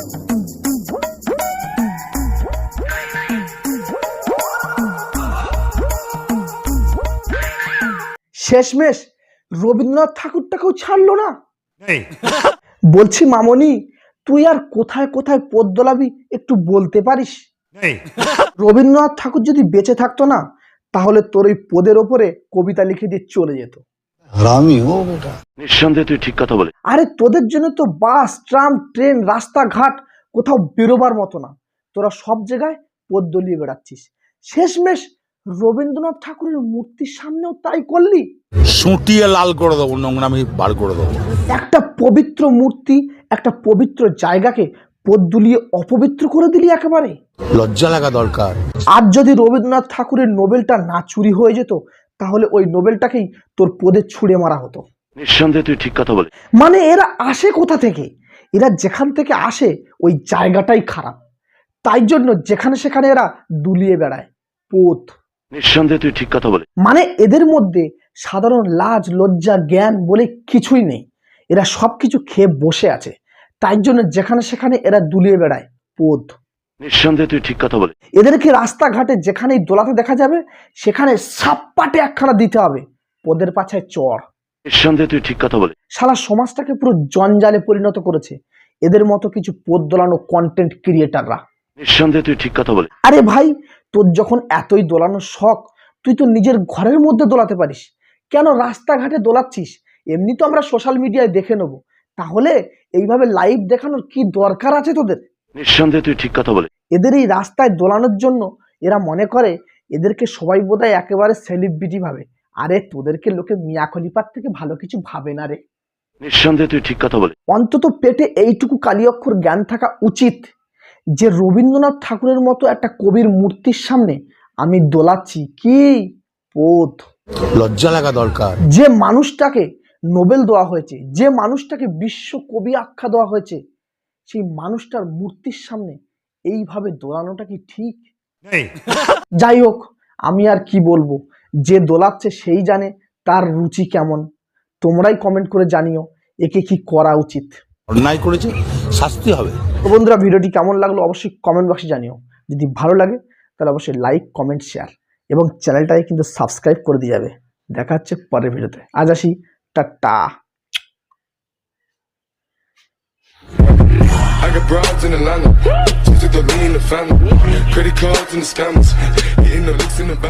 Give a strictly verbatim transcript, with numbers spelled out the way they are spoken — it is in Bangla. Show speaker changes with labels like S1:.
S1: শেষমেশ রবীন্দ্রনাথ ঠাকুরটাকেও ছাড়লো না। বলছি মামনি, তুই আর কোথায় কোথায় পদ দোলাবি একটু বলতে পারিস? রবীন্দ্রনাথ ঠাকুর যদি বেঁচে থাকতো না, তাহলে তোর ওই পদের ওপরে কবিতা লিখে দিয়ে চলে যেত।
S2: নিঃসন্দেহে তুই ঠিক কথা বলে।
S1: আরে তোদের জন্য তো বাস, ট্রাম, ট্রেন, রাস্তাঘাট কোথাও বেরোবার মতো না, তোরা সব জায়গায় পদ দলিয়ে বেড়াচ্ছিস। শেষমেশ রবীন্দ্রনাথ ঠাকুরের মূর্তির সামনেও তাই করলি।
S3: সুটিয়ে লাল করে দেবো, নোংরামি বার করে দেবো।
S1: একটা পবিত্র মূর্তি, একটা পবিত্র জায়গাকে পদ দুলিয়ে অপবিত্র করে দিলি একেবারে।
S3: লজ্জা লাগা দরকার।
S1: আর যদি রবীন্দ্রনাথ ঠাকুরের নোবেলটা না চুরি হয়ে যেত, তাহলে ওই নোবেলটাকেই তোর পদে ছুঁড়ে মারা হতো।
S2: নিঃসন্দেহে তুই ঠিক কথা বলে।
S1: মানে এরা আসে কোথা থেকে? এরা যেখান থেকে আসে ওই জায়গাটাই খারাপ, তাই জন্য যেখানে সেখানে এরা দুলিয়ে বেড়ায় পদ।
S2: নিঃসন্দেহে তুই ঠিক কথা বলে।
S1: মানে এদের মধ্যে সাধারণ লাজ, লজ্জা, জ্ঞান বলে কিছুই নেই। এরা সবকিছু খেয়ে বসে আছে, তাই জন্য যেখানে সেখানে এরা দুলিয়ে বেড়ায় পদ।
S2: নিঃসন্দেহে তুই ঠিক কথা বলে।
S1: এদেরকে রাস্তাঘাটে যেখানেই দোলাতে দেখা যাবে, সেখানে সাপ্পাটে একখানা দিতে হবে, পদের পাছায় চড়।
S2: নিঃসন্দেহে তুই ঠিক কথা বলে।
S1: সারা সমাজটাকে পুরো জঞ্জালে পরিণত করেছে এদের মতো কিছু পদ দোলানো কন্টেন্ট ক্রিয়েটাররা।
S2: নিঃসন্দেহে তুই ঠিক কথা বলে।
S1: আরে ভাই, তোর যখন এতই দোলানোর শখ, তুই তো নিজের ঘরের মধ্যে দোলাতে পারিস, কেন রাস্তাঘাটে দোলাচ্ছিস? এমনি তো আমরা সোশ্যাল মিডিয়ায় দেখে নেবো, তাহলে এইভাবে লাইভ দেখানোর কি দরকার আছে তোদের?
S2: নিঃসন্দেহে তুই ঠিক কথা বলে।
S1: এদের এই রাস্তায় দোলানোর জন্য এরা মনে করে এদেরকে সবাই বোধহয় একেবারে সেলিব্রিটি ভাবে। আরে তোদেরকে লোকে মিয়া খলিফার থেকে ভালো কিছু ভাবে না রে।
S2: নিঃসন্দেহে তুই ঠিক কথা বলে।
S1: অন্তত পেটে এইটুকু কালি অক্ষর জ্ঞান থাকা উচিত যে রবীন্দ্রনাথ ঠাকুরের মতো একটা কবির মূর্তির সামনে আমি দোলাচ্ছি কি পদ।
S3: লজ্জা লাগা দরকার।
S1: যে মানুষটাকে নোবেল দেওয়া হয়েছে, যে মানুষটাকে বিশ্ব কবি আখ্যা দেওয়া হয়েছে, সেই মানুষটার মূর্তির সামনে এইভাবে দোলানোটা কি ঠিক? যাই হোক, আমি আর কি বলবো, যে দোলাচ্ছে সেই জানে তার রুচি কেমন। তোমরাই কমেন্ট করে জানিও একে কি করা উচিত।
S3: অন্যায় করেছে, শাস্তি হবে।
S1: তো বন্ধুরা, ভিডিওটি কেমন লাগলো অবশ্যই কমেন্ট বক্সে জানিও। যদি ভালো লাগে তাহলে অবশ্যই লাইক, কমেন্ট, শেয়ার এবং চ্যানেলটাকে কিন্তু সাবস্ক্রাইব করে দিয়ে যাবে। দেখা হচ্ছে পরের ভিডিওতে। আজ আসি, টাটা।
S4: I got broads in Atlanta, just to the lean the family, credit cards and the scammers, hitting the licks in the back.